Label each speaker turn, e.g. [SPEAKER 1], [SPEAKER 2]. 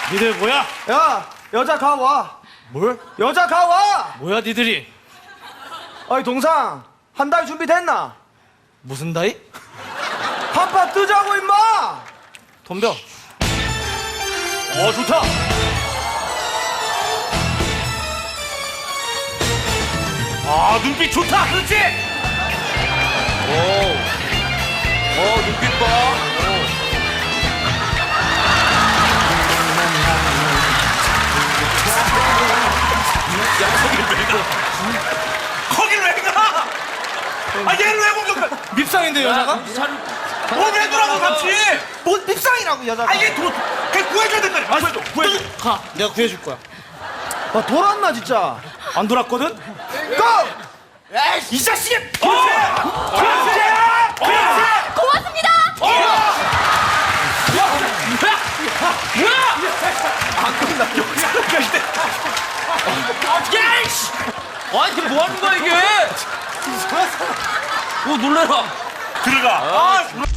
[SPEAKER 1] 니들 뭐야?
[SPEAKER 2] 야, 여자 가와.
[SPEAKER 1] 뭘?
[SPEAKER 2] 여자 가와.
[SPEAKER 1] 뭐야 니들이?
[SPEAKER 2] 어이 동상, 한 달 준비됐나?
[SPEAKER 1] 무슨 다이?
[SPEAKER 2] 한판 뜨자고 임마.
[SPEAKER 1] 덤벼. 좋다. 눈빛 좋다. 그렇지? 눈빛 봐.
[SPEAKER 3] 거길 왜 가? 얘를 왜 공격해?
[SPEAKER 1] 밉상인데 여자가?
[SPEAKER 3] 왜 두라고 같이?
[SPEAKER 2] 뭔 밉상이라고 여자가.
[SPEAKER 3] 얘 구해줘야 될 거야. 구해줘.
[SPEAKER 1] 가. 내가 구해줄 거야.
[SPEAKER 2] 아, 돌았나 진짜.
[SPEAKER 1] 안 돌았거든?
[SPEAKER 2] 고!
[SPEAKER 3] 이 자식이!
[SPEAKER 2] 그렇지!
[SPEAKER 4] 고맙습니다.
[SPEAKER 3] 야이씨!
[SPEAKER 1] 아니 이게 뭐 하는 거야 이게? 놀래라.
[SPEAKER 3] 들어가.